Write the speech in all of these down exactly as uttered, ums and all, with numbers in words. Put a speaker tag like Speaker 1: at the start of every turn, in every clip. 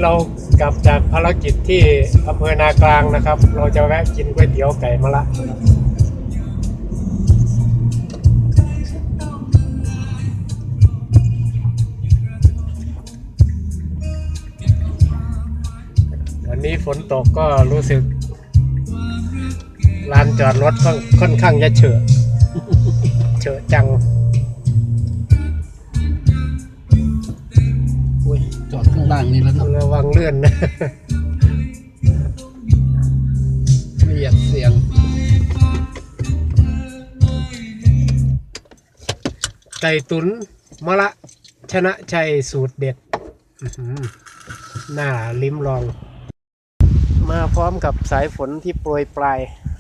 Speaker 1: เรากลับจากภารกิจที่อำเภอนากลางนะครับเราจะแวะกินก๋วยเตี๋ยวไก่มะระวันนี้ฝนตกก็รู้สึกลานจอดรถค่อนข้างจะเฉอะเฉอะจัง
Speaker 2: จอดข้างล่างนี่แล้วนะ
Speaker 1: ระวังเลื่อนนะ
Speaker 2: ไม่อยากเสี่ยง
Speaker 1: ไก่ตุ๋นมะระชนะชัยสูตรเด็ดน่าลิ้มลองมาพร้อมกับสายฝนที่โปรยปลาย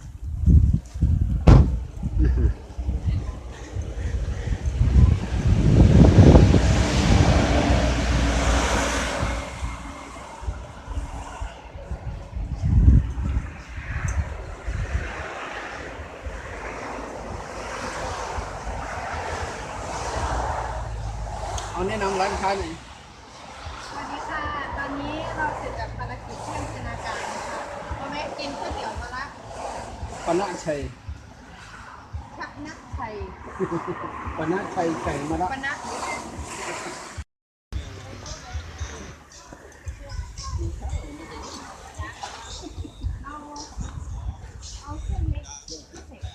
Speaker 2: เอาแนะนำร้านค้าหน่อย
Speaker 3: สวัสดีค่ะ ตอนนี้เราเสร็จจากภารกิจที่อำเภอนาการนะคะเราแวะกินก๋วยเตี๋ยวมะระ
Speaker 2: ปนะชัย
Speaker 3: ชักนักชัย
Speaker 2: ปนะชัยไก่มะระ
Speaker 3: ปนะเอาเอาเส้นเล็กพิเศษ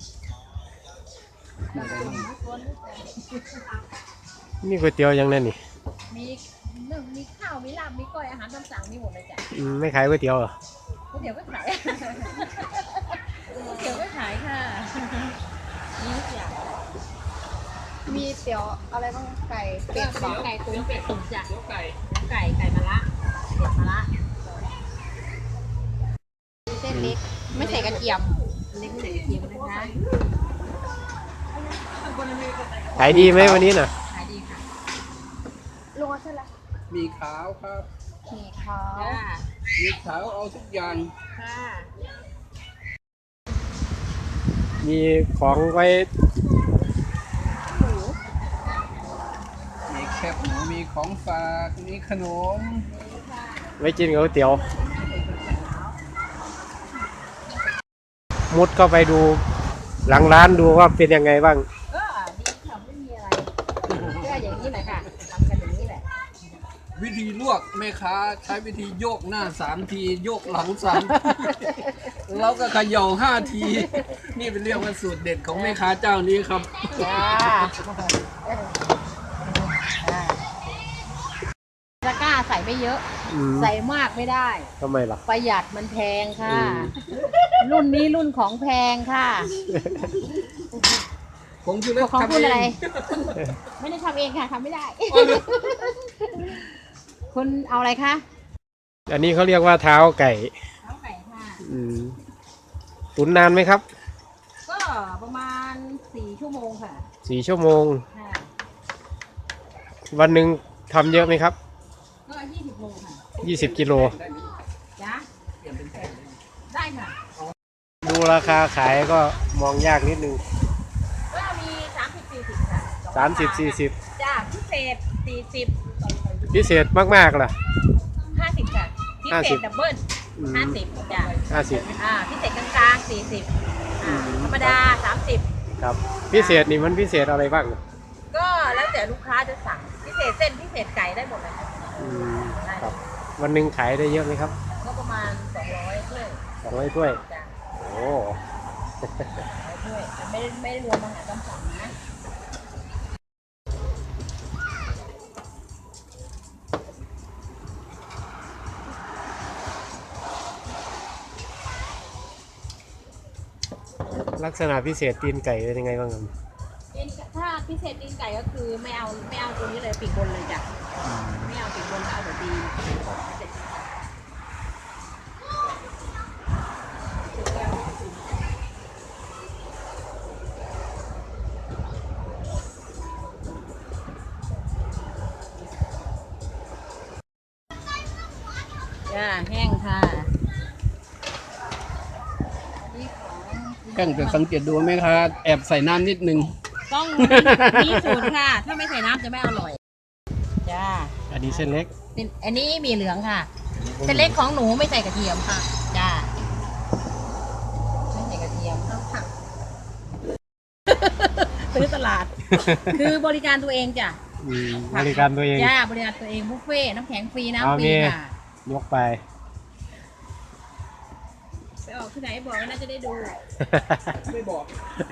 Speaker 1: นี่ก๋วยเตี๋ยวยังนั่นนี่
Speaker 3: มีหนึ่งมีข้าวมีลาบมีก้อยอาหารตามสั่งมีหมดเลยจ้ะ
Speaker 1: ไม่ขายก๋วยเตี๋ยวเหรอ
Speaker 3: ก๋วยเตี๋ยวก็ขายก๋วยเตี๋ยวก็ขายค่ะมีทุกอย่างมีเตี๋ยวอะไรบ้างไก่เป็ดไก่ตุ๋นเป็ดตุ๋นจ้ะไก่ไก่ไก่มะระเป็ดมะระเส้นเล็กไม่ใส่กระเทียมเล็กไม่ใส่กระเทียมนะคะ
Speaker 1: ขายดีไหมวันนี้น่ะ
Speaker 3: ขายดีค่ะลงเส้นละ
Speaker 2: มีขาวครับ
Speaker 3: มีขาว
Speaker 2: มีขาวเอาทุกอย่าง
Speaker 3: ค่ะ
Speaker 1: มีของไว้
Speaker 2: มีแคบหมูมีของฝากมีขนม
Speaker 1: ไว้กินกับก๋วยเตี๋ยวมุดเข้าไปดูหลังร้านดูว่าเป็นยังไงบ้าง
Speaker 3: ก็ดีค่ะไม่มีอะไรก็อย่างนี้แหละค่ะทำกันอย่างนี้แหละ
Speaker 2: วิธีลวกแม่ค้าใช้วิธีโยกหน้าสามทีโยกหลังสามแล้วก็เขย่าห้าทีนี่เป็นเรียกว่าสูตรเด็ดของแม่ค้าเจ้านี้ครับ
Speaker 3: ตะกร้าใส่ไม่เยอะใส่มากไม่ได้
Speaker 1: ทำไมล่ะ
Speaker 3: ประหยัดมันแพงค่ะรุ่นนี้รุ่นของแพงค่ะ
Speaker 2: ของคุณเล็ก
Speaker 3: ของคุณอะไรไม่ได้ทำเองค่ะทำไม่ได้คุณเอาอะไรคะ
Speaker 1: อันนี้เขาเรียกว่าเท้าไก่
Speaker 3: เท้าไก่ค่ะ
Speaker 1: ตุ๋นนานไหมครับ
Speaker 3: ก็ประมาณสี่ชั่วโมงค่ะ
Speaker 1: สี่ชั่วโมงวันหนึ่งทำเยอะไหมครับ
Speaker 3: ก็ยี่สิบโลค่ะ
Speaker 1: ยี่สิบกิโล
Speaker 3: จ้ะได้ค่ะ
Speaker 1: ดูราคาขายก็มองยากนิดนึง
Speaker 3: ก็มีสามสิบสี่สิบค่ะ
Speaker 1: สามสิบสี่สิบ
Speaker 3: จ้ะพิเศษสี่สิบ
Speaker 1: พิเศษมากๆล่ะ
Speaker 3: ห้าสิบค่ะพิเศษดับเบิ้ลห้าสิบจ้ะ
Speaker 1: ห้าสิบ
Speaker 3: อ่าพิเศษกลางๆสี่สิบธรรมดาสามสิบ
Speaker 1: ครับพิเศษนี่มันพิเศษอะไรบ้าง
Speaker 3: ก็แล้วแต่ลูกค้าจะสั่งพิเศษเส้นพิเศษไก่ได้หมดเลย
Speaker 1: ครับวันหนึ่งขายได้เยอะไหมครับ
Speaker 3: ก็ประมาณสองร้อยถ้วย
Speaker 1: สองร้อยถ้วยโอ้
Speaker 3: ถ้วยไม่ได้ไม่ได้รวมอาหารตามสั่งนะ
Speaker 1: ลักษณะพิเศษตีนไก่เป็นยังไงบ้างครับ
Speaker 3: ถ้าพิเศษตีนไก่ก็คือไม่เอาไม่เอาตัวนี้เลยปีกบนเลยจ้ะไม่เอาปีกบนเอาแต่ตีนจ้าแห้งค่ะ
Speaker 2: กั้งแต่สังเกตดูไหมคะแอบใส่น้ำนิดนึง
Speaker 3: ต้องมีสูตรค่ะถ้าไม่ใส่น้ำจะไม่อร่อยจ้า
Speaker 1: อันนี้เส้นเล็ก
Speaker 3: เเป็นอันนี้หมีเหลืองค่ะเส้นเล็กของหนูไม่ใส่กระเทียมค่ะจ้าไม่ใส่กระเทียมค่ะซื้อตลาด คือบริการตัวเองจ้ะ
Speaker 1: อืมบริการตัวเอง
Speaker 3: จ้าบริการตัวเองบุฟเฟ่ต์น้ำแข็งฟรี
Speaker 1: เอา
Speaker 3: น้ำฟรี
Speaker 1: มี
Speaker 3: ค่ะ
Speaker 1: ยกไป
Speaker 3: ไปออกที่ไหนบอกว่าน่าจะได้ดู
Speaker 2: ไม่บอก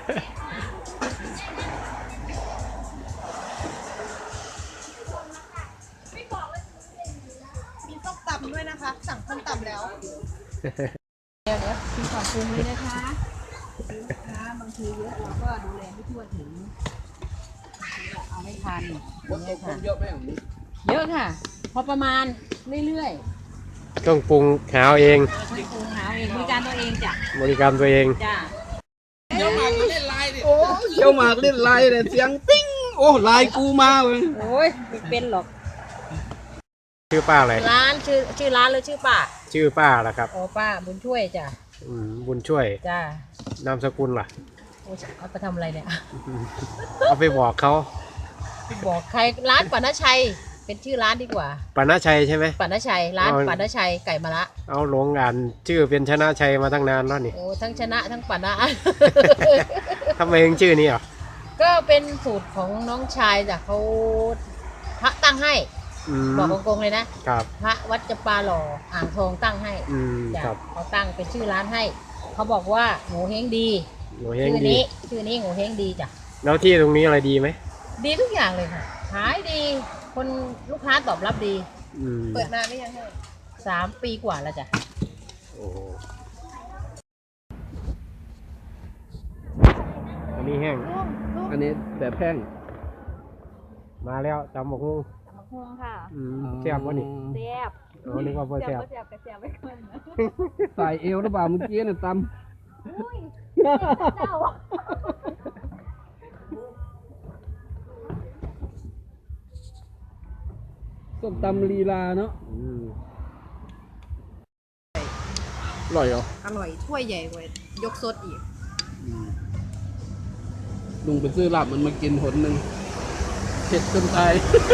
Speaker 3: มีส้มตำด้วยนะคะ สั่งส้มตำแล้วเดี๋ยวเดี๋ยวมีของปรุงเลยนะคะลูกค้าบางทีเยอะเราก็ดูแลไม่ทั่วถึงเอาไม่ทัน
Speaker 2: รถตกคนเยอะไหมอย่างนี้
Speaker 3: เยอะค่ะ พอประมาณเรื่อย
Speaker 1: ต้องปรุงหาเอาเอง
Speaker 3: ๆต้องปรุงหาเองบริการตัวเองจ้ะ
Speaker 1: บริการตัวเอง
Speaker 3: จ้า
Speaker 2: เจ้าหมากเล่นไลน์ดิโอ้เจ้าหมากเล่นไลน์เนี่ยเสียงปิ้งโอ้ไลน์กูมาเว้ย
Speaker 3: โอ้ยไม่เป็นหรอก
Speaker 1: ชื่อป้าอะไร
Speaker 3: ร้านชื่อชื่อร้านหรือชื่อป้า
Speaker 1: ชื่อป้าล่ะครับ
Speaker 3: โอ้ป้าบุญช่วยจ้ะ
Speaker 1: อืมบุญช่วย
Speaker 3: จ้าน
Speaker 1: ามสกุลล่ะ
Speaker 3: โอ้เอาไปทำอะไรเนี่ย
Speaker 1: เอาไปบอกเขา
Speaker 3: บอกใครร้านปัณชัยเป็นชื่อร้านดีกว่า
Speaker 1: ปณชัยใช่ไหม
Speaker 3: ปัณชัยร้าน
Speaker 1: เอา
Speaker 3: ปัณชัยไก่มะระ
Speaker 1: เอาหลงอ่านชื่อเป็นชนะชัยมาตั้งนานแล้วนี่
Speaker 3: โอ้ทั้งชนะทั้งปัณะ
Speaker 1: ทำไมถึงชื่อนี้อ่ะ
Speaker 3: ก็เป็นสูตรของน้องชายจ้ะเขาพระตั้งให้
Speaker 1: อืม
Speaker 3: บอกตรงๆเลยนะครับ พระวัดจำปาหล่ออ่างทองตั้งให้
Speaker 1: อืม
Speaker 3: จ้ะ
Speaker 1: ครับ
Speaker 3: เขาตั้งเป็นชื่อร้านให้เขาบอกว่าหมูเฮงดี
Speaker 1: หนูเฮง
Speaker 3: ชื่อ
Speaker 1: ดี
Speaker 3: นี้ชื่อนี้หมูเฮงดีจ้ะ
Speaker 1: แล้วที่ตรงนี้อะไรดีไหม
Speaker 3: ดีทุกอย่างเลยค่ะขายดีคนลูกค้าตอบรับดี
Speaker 1: อืม
Speaker 3: เปิดนานหรือยังคะสามปีกว่าแล้วจ้ะ
Speaker 1: โอ้โหอันนี้แห้ง
Speaker 2: อันนี้แบบแห้ง
Speaker 1: มาแล้วตำบักหุ่ง
Speaker 3: มะม่วงค่ะ
Speaker 1: อืมแซ่บวะนี่
Speaker 3: แซ่บ
Speaker 1: อ๋อนึกว่าบ่แซ่บ
Speaker 3: แซ่บแต่แซ่บไม่เกินนะ
Speaker 2: ใส่เอวหรือเปล่าเมื่อกี้เนี่ยต
Speaker 3: อุ้ยเจ้า
Speaker 2: ำส้มตำลีลาเนาะ
Speaker 1: อืม
Speaker 2: อร่อยเหรอ
Speaker 3: อร่อยถ้วยใหญ่กว่ายกซดอีก
Speaker 1: อืม
Speaker 2: ลุงไปซื้อลาบมันมากินหนหนึ่งเผ็ดจนตาย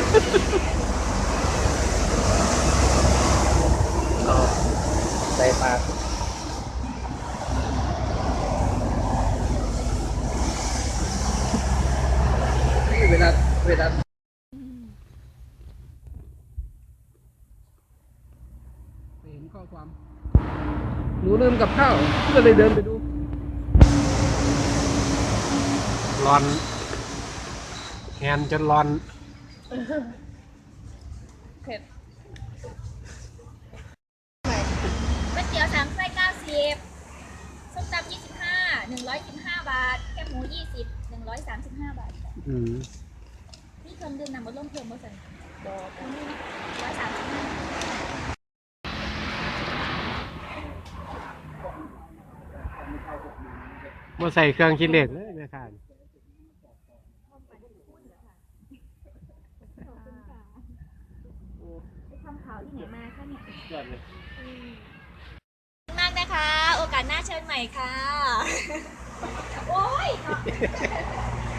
Speaker 1: เอาใส่ปาก
Speaker 2: เวลาเวลาเห็นข้อความหนูลืมกับข้าวก็เลยเดินไปดู
Speaker 1: ร้อนแฮนจนร้อน
Speaker 3: เผ็ด
Speaker 4: ก๋วยเตี๋ยวสามไส้เก้าสิบส้มตำยี่สิบห้าหนึ่งร้อยสิบห้าบาท แคบหมูยี่สิบหนึ่งร้อยสามสิบห้าบาท
Speaker 1: อืม
Speaker 4: นี่เครื่องดื่มนำมาร่วมเพิ่มมาใส่ดอกอันนี้ร้อยสามสิบห้า
Speaker 1: มาใส่เครื่องคิดเลขเลยแม่ค้านี่
Speaker 4: ไปทำข่าวที่ไหนมาคะเนี่ย
Speaker 1: ยอดเลย
Speaker 4: มากนะคะ โอกาสหน้าเชิญใหม่ค่ะ โอ้ย